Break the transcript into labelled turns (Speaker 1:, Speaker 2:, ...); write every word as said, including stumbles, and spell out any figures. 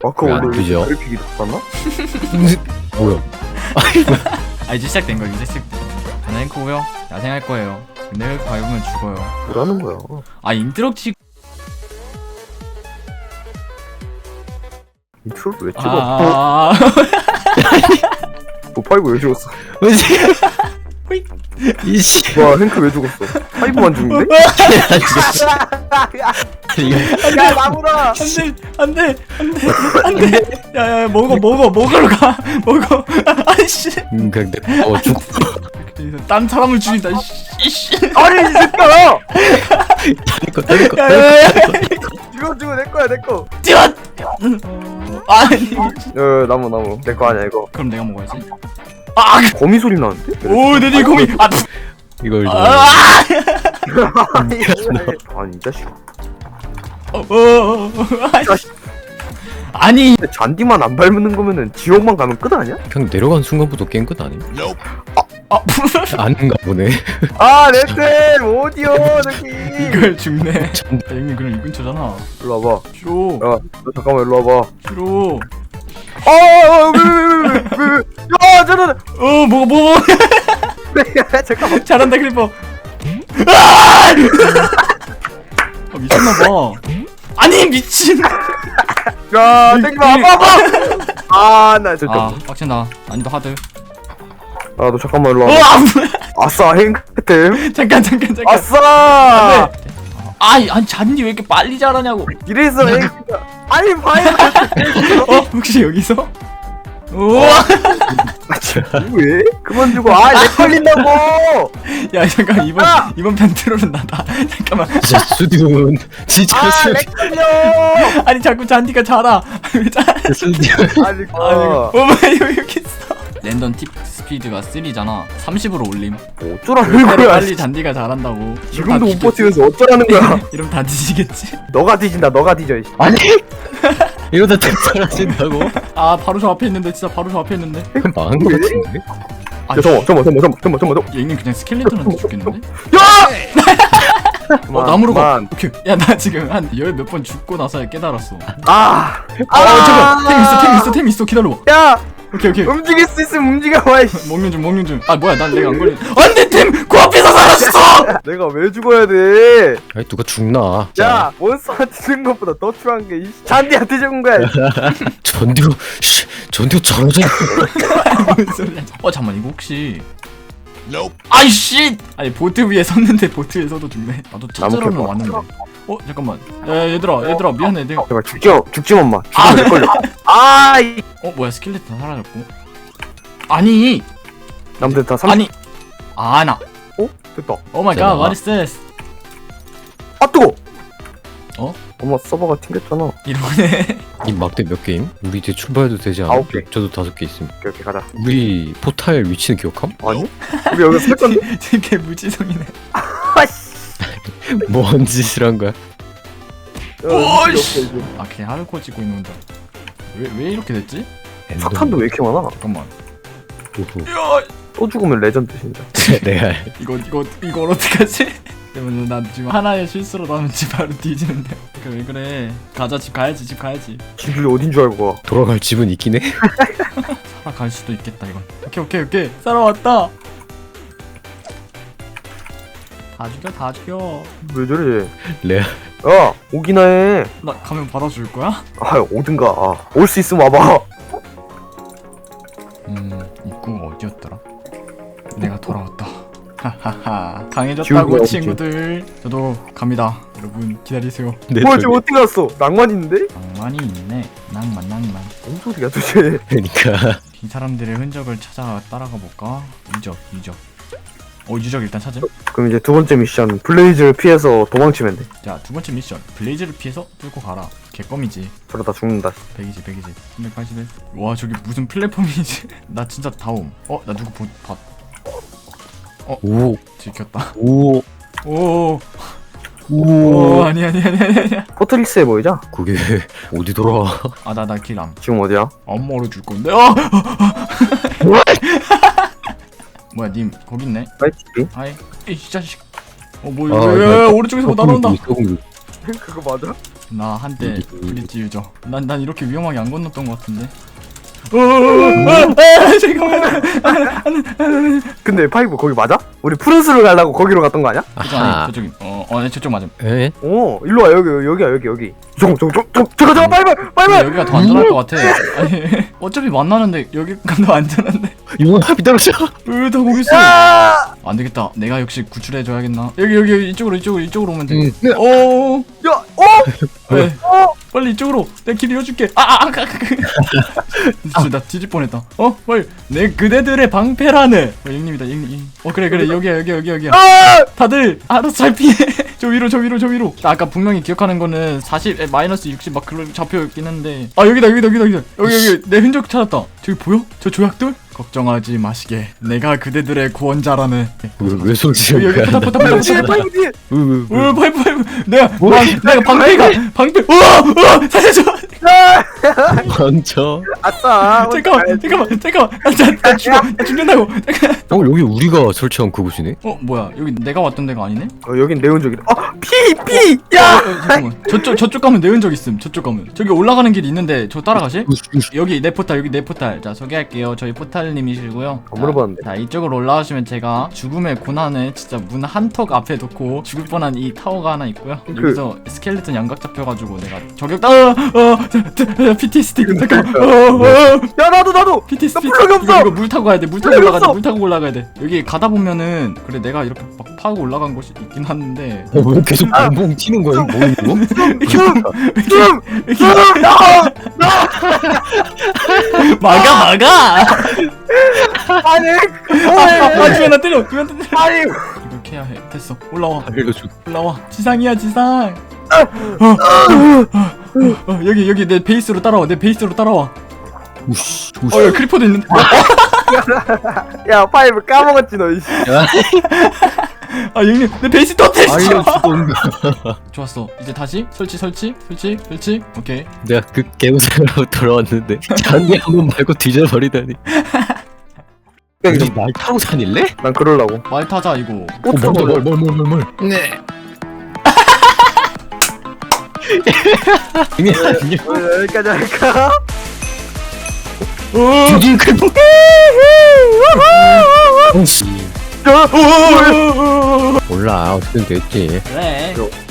Speaker 1: 마크
Speaker 2: 왜안
Speaker 1: 원래
Speaker 2: 뜨죠?
Speaker 1: 그래픽이 높았나?
Speaker 2: 뭐야?
Speaker 3: 아 이제 시작된 거야 이제 시작된 거. 저는 앵커고요. 야생할 거예요. 근데 밟으면 죽어요.
Speaker 1: 뭐라는 거야?
Speaker 3: 아 인트럭치.
Speaker 1: 인트로를 왜 찍어?
Speaker 3: 아.
Speaker 1: 너 파이브 왜 죽었어?
Speaker 2: 뭐지? 이씨.
Speaker 1: 와 행크 왜 죽었어? 파이브만 죽는데? 야 나무라!
Speaker 3: 안돼 안돼 안돼 안돼. 야야 먹어 먹어 먹으러 가 먹어. 아이씨.
Speaker 2: 음, 그냥 내 어, 죽.
Speaker 3: 딴 사람을 죽인다. 이씨.
Speaker 1: 아니 이 새끼야!
Speaker 2: 거, 내 거,
Speaker 3: 야야야.
Speaker 1: 이거 주고 내 거야 내 거.
Speaker 3: 뛰어. 아니.
Speaker 1: 어 나무 나무 내 거 아니야 이거.
Speaker 3: 그럼 내가 먹어야지. 아.
Speaker 1: 거미 소리 나는데?
Speaker 3: 오 내리 거미. 아.
Speaker 2: 이걸 좀.
Speaker 3: 아.
Speaker 1: 아니 아니 이 자식.
Speaker 3: 어. 어. 아니.
Speaker 1: 근데 잔디만 안 밟는 거면은 지옥만 가면 끝 아니야?
Speaker 2: 그냥 내려간 순간부터 게임 끝 아님?
Speaker 3: 아.
Speaker 2: 아닌가 보네.
Speaker 1: 아 내템 어디요 저기.
Speaker 3: 이걸 죽네. 형님 그럼 이 근처잖아.
Speaker 1: 일로 와봐.
Speaker 3: 싫어.
Speaker 1: 야 너 잠깐만 일로 와봐.
Speaker 3: 싫어.
Speaker 1: 아왜왜왜왜야 저는
Speaker 3: 어 뭐가 뭐.
Speaker 1: 잠깐만.
Speaker 3: 잘한다 클리퍼. 아! 아 미쳤나봐. 아니 미친.
Speaker 1: 야 땡기 마 아파 아파. 아나
Speaker 3: 아
Speaker 1: 잠깐만.
Speaker 3: 빡친다. 난이도 하드.
Speaker 1: 아 너 잠깐만 일로
Speaker 3: 어
Speaker 1: 와봐.
Speaker 3: 아,
Speaker 1: 아싸 행템.
Speaker 3: 잠깐 잠깐 잠깐.
Speaker 1: 아싸.
Speaker 3: 아니 아니 잔디 왜 이렇게 빨리 자라냐고.
Speaker 1: 이래서 행템. 아니 봐요.
Speaker 3: 어 혹시 여기서? 우와.
Speaker 1: 왜? 그만 주고 아내 걸린다고.
Speaker 3: 야 잠깐 이번
Speaker 1: 아!
Speaker 3: 이번 편 트롤은 나다. 잠깐만.
Speaker 2: 진짜 수디온. 진짜
Speaker 1: 아내
Speaker 2: 수디.
Speaker 1: 걸려.
Speaker 3: 아니 자꾸 잔디가 자라. 왜 자라?
Speaker 2: 수디온.
Speaker 1: 아니
Speaker 3: 아니
Speaker 1: 어.
Speaker 3: 어머 여기 여기 있어. 랜덤 팁 스피드가 삼잖아. 삼십으로 올림.
Speaker 1: 어쩌라는 거야.
Speaker 3: 빨리 잔디가 자란다고.
Speaker 1: 지금도 못 버티면서 어쩌라는 거야.
Speaker 3: 이러면 다 뒤지겠지.
Speaker 1: 너가 뒤진다 너가 뒤져. 이씨.
Speaker 2: 아니. 이러다 템 사라진다고?
Speaker 3: 아 바로 저 앞에 있는데 진짜 바로 저 앞에 있는데.
Speaker 2: 망한 거 같은데?
Speaker 3: 아
Speaker 1: 야 잠깐만 잠깐만 잠깐만 잠깐만 잠깐만.
Speaker 3: 얘는 그냥 스켈레톤한테 죽겠는데?
Speaker 1: 야!
Speaker 3: 어 나무로 가.
Speaker 1: 그만.
Speaker 3: 오케이. 야 나 지금 한 열 몇 번 죽고 나서야 깨달았어.
Speaker 1: 아.
Speaker 3: 아 잠깐 템 있어 템 있어 템 있어 기다려봐.
Speaker 1: 야
Speaker 3: 오케이 오케이.
Speaker 1: 움직일 수 있으면 움직여 봐. 이씨.
Speaker 3: 먹는 중 먹는 중. 아 뭐야 난 내가 안 걸린. 안돼 템 그 앞에서 사라졌어.
Speaker 1: 내가 왜 죽어야 돼?
Speaker 2: 아니 누가 죽나?
Speaker 1: 야 몬스터한테 죽은 것보다 더 추한 게 이 잔디한테 죽은 거야.
Speaker 2: 전디오. 씨, 전디오 저러지.
Speaker 3: 무슨 소리야? 어 잠만 이거 혹시. 아이씨! 아니 보트 위에 섰는데 보트 위에 서도 죽네. 나도 찾으러는
Speaker 1: 나무
Speaker 3: 왔는데. 어 잠깐만. 야 얘들아 얘들아 미안해 내가.
Speaker 1: 제발 죽지 마 죽지 엄마. 죽으면 내 걸려. 아 이.
Speaker 3: 어 뭐야 스켈레톤 사라졌고. 아니
Speaker 1: 남들 다 삼.
Speaker 3: 아니 아나.
Speaker 1: 어 됐다.
Speaker 3: 오 마이 갓 what is this?
Speaker 1: 아 뜨거.
Speaker 3: 어?
Speaker 1: 엄마 서버가 튕겼잖아.
Speaker 3: 이러네.
Speaker 2: 이 막대 몇 게임? 우리 이제 출발해도 되지 않아?
Speaker 1: 아홉 개.
Speaker 2: 저도 다섯 개 있음.
Speaker 1: 오케이 오케이 가자.
Speaker 2: 우리 포탈 위치는 기억함?
Speaker 1: 아니? 우리 여기서 살 건데?
Speaker 3: 되게 무지성이네.
Speaker 1: 아씨.
Speaker 2: 뭔 짓을 한 거야?
Speaker 3: 오이씨. 아 그냥 하드코어 찍고 있는 건데. 왜왜 이렇게 됐지?
Speaker 1: 석탄도 왜 이렇게 많아?
Speaker 3: 잠깐만.
Speaker 2: 오호.
Speaker 3: 야
Speaker 1: 또 죽으면 레전드 진짜.
Speaker 2: 내가
Speaker 3: 이거 이거 이걸 어떡하지? 때문에 나 지금 하나의 실수로 나면 집 바로 뒤지는데. 그 왜 그래? 가자 집 가야지 집 가야지.
Speaker 1: 집이 어딘 줄 알고 가.
Speaker 2: 돌아갈 집은 있긴 해.
Speaker 3: 살아갈 수도 있겠다 이건. 오케이 오케이 오케이 살아왔다. 다 죽여 다 죽여.
Speaker 1: 왜 저래?
Speaker 2: 레아.
Speaker 1: 야 오기나 해.
Speaker 3: 나 가면 받아줄 거야?
Speaker 1: 아 오든가. 아, 올 수 있으면 와봐.
Speaker 3: 음 입구가 어디였더라? 내가 돌아왔다. 하하하
Speaker 1: 지우개가
Speaker 3: 강해졌다고
Speaker 1: 어디지?
Speaker 3: 친구들. 저도 갑니다. 여러분 기다리세요.
Speaker 2: 내
Speaker 1: 뭐야
Speaker 2: 돌-
Speaker 1: 지금 어디 갔어? 낭만 있는데?
Speaker 3: 낭만이 있네. 낭만 낭만.
Speaker 1: 뭔 소리야 도대체.
Speaker 2: 그러니까
Speaker 3: 이 사람들의 흔적을 찾아 따라가 볼까? 유적 유적. 어 유적 일단 찾음.
Speaker 1: 그럼 이제 두 번째 미션 블레이즈를 피해서 도망치면 돼.
Speaker 3: 자 두 번째 미션 블레이즈를 피해서 뚫고 가라. 개껌이지.
Speaker 1: 그러다 죽는다.
Speaker 3: 백이십 백이십 삼백팔십일. 와 저기 무슨 플랫폼이지? 나 진짜 다옴. 어 나 누구 보, 봤.
Speaker 2: 오.
Speaker 3: 들켰다.
Speaker 2: 오.
Speaker 3: 오.
Speaker 2: 오.
Speaker 3: 오 아니 아니 아니 아니 아니.
Speaker 1: 포트리스해 보이자.
Speaker 2: 그게 어디 돌아와?
Speaker 3: 아나 나 길람.
Speaker 1: 지금 어디야?
Speaker 3: 엄마로 줄 건데. 어. 뭐야 님 거기 있네.
Speaker 1: 파이팅.
Speaker 3: 아이 이 자식. 어 뭐야?
Speaker 2: 아,
Speaker 3: 야,
Speaker 2: 나-
Speaker 3: 야, 오른쪽에서 뭐 날아온다.
Speaker 2: 썩은 거.
Speaker 1: 그거 맞아?
Speaker 3: 나 한때
Speaker 2: 음.
Speaker 3: 브릿지 유저. 난, 난 이렇게 위험하게 안 건넜던 것 같은데. 어, 아, 잠깐만.
Speaker 1: 근데 파이브 거기 맞아? 우리 푸른수를 가려고 거기로 갔던 거 아니야?
Speaker 3: 저쪽 아니 저쪽이. 어, 어, 네, 저쪽 맞음.
Speaker 2: 에?
Speaker 1: 오 일로 와 여기 여기야 여기 여기 저거 저거 저거 저거 저거 저거 파이브
Speaker 3: 근데
Speaker 1: 파이브
Speaker 3: 여기가 더 안전할 것 같아. 아니, 어차피 만나는데 여기가 더 안전한데.
Speaker 2: 이거 합이 떨어져.
Speaker 3: 으, 다 거기 있어.
Speaker 1: 야!
Speaker 3: 안 되겠다. 내가 역시 구출해줘야겠나. 여기 여기 여기 이쪽으로 이쪽으로 이쪽으로 오면 돼.
Speaker 2: 응.
Speaker 3: 오,
Speaker 1: 야! 어?
Speaker 3: 왜?
Speaker 1: 어?
Speaker 3: 빨리 이쪽으로. 내가 길 이어줄게. 아, 아, 아, 아, 아. 진짜 나 뒤질 뻔했다. 어, 빨리. 내 그대들의 방패라네. 어, 형님이다, 형님. 어, 그래, 그래. 여기야, 여기, 여기, 여기야.
Speaker 1: 아!
Speaker 3: 다들 알아서 잘 피해. 저 위로, 저 위로, 저 위로. 나 아까 분명히 기억하는 거는 사십, 에, 마이너스 육십 막 그런 잡혀 있긴 한데. 아, 여기다, 여기다, 여기다, 여기다. 여기, 여기. 내 흔적 찾았다. 저기 보여? 저 조약돌? 걱정하지 마시게. 내가 그대들의 구원자라네.
Speaker 2: 왜, 왜 손
Speaker 3: 여기,
Speaker 2: 지는
Speaker 3: 여기,
Speaker 2: 거야?
Speaker 3: 포탑, 포탑, 포탑,
Speaker 1: 뒤에
Speaker 3: 포탑.
Speaker 1: 파이브 뒤에
Speaker 2: 왜, 왜, 왜?
Speaker 3: 오, 파이프, 파이프. 내가,
Speaker 2: 뭐?
Speaker 3: 방, 내가 방패가, 방패. 우와, 우와, 살려줘.
Speaker 2: 먼저.
Speaker 1: 아싸
Speaker 3: 잠깐만, 잠깐만, 잠깐만. 나, 나, 나 죽어, 나 죽는다고. 잠깐.
Speaker 2: 어, 여기 우리가 설치한 그곳이네?
Speaker 3: 어, 뭐야? 여기 내가 왔던 데가 아니네?
Speaker 1: 어 여긴 내 흔적이다 어피피
Speaker 3: 어,
Speaker 1: 야!
Speaker 3: 어, 잠깐만. 저쪽, 저쪽 가면 내 흔적 있음. 저쪽 가면. 저기 올라가는 길이 있는데 저 따라가실? 여기 내 포탈, 여기 내 포탈. 자, 소개할게요. 저희 포탈님이시고요.
Speaker 1: 안 물어봤는데.
Speaker 3: 자, 이쪽으로 올라가시면 제가 죽음의 고난을 진짜 문 한턱 앞에 놓고 죽을 뻔한 이 타워가 하나 있고요.
Speaker 1: 그-
Speaker 3: 여기서 스켈레톤 양각 잡혀가지고 내가 저격 어, 어, 자, 자, 피티에스디. 잠깐만. 어, 어,
Speaker 1: 야 나도 나도
Speaker 3: 피티에스디.
Speaker 1: 나 블럭이 없어!
Speaker 3: 이거, 이거 물 타고 가야 돼. 물 타고
Speaker 1: 블럭이
Speaker 3: 올라가야 돼.
Speaker 1: 없어!
Speaker 3: 물 타고 올라가야 돼. 여기 가다 보면은 그래 내가 이렇게 막 파고 올라간 곳이 있긴 한데.
Speaker 2: 어, 왜 계속 뻥뻥 튀는 거야? 뭐, 이거?
Speaker 1: 좀!
Speaker 3: 막아 막아.
Speaker 1: 아니
Speaker 3: 아, 주변 나 때려. 주변 나 때려.
Speaker 1: 아니
Speaker 3: 이렇게 해야 해. 됐어. 올라와.
Speaker 2: 알려줘.
Speaker 3: 올라와. 지상이야, 지상. 어, 어, 어, 여기 여기 내 베이스로 따라와. 내 베이스로 따라와.
Speaker 2: 우씨,
Speaker 3: 어,
Speaker 2: 우씨.
Speaker 3: 여기 크리퍼도 있는데.
Speaker 1: 야 파이브 까먹었지 너 이씨
Speaker 2: 야,
Speaker 3: 아, 형님, 내 베이스 또 테스트.
Speaker 2: 알려주던가.
Speaker 3: 좋았어. 이제 다시 설치, 설치, 설치, 설치. 오케이.
Speaker 2: 내가 그 개우생으로 돌아왔는데 잔디 한번 말고 뒤져버리다니. 우리 날 타고 다닐래?
Speaker 1: 난 그럴라고
Speaker 3: 말 타자 이거.
Speaker 2: 어, 뭘, 뭘, 뭘, 뭘, 뭘, 뭘. 네. 이게 아니야.
Speaker 1: 어, 여기까지 할까?
Speaker 2: 주진 크리퍼. 어씨. 몰라, 어쨌든 됐지.
Speaker 3: 그래.
Speaker 1: 요.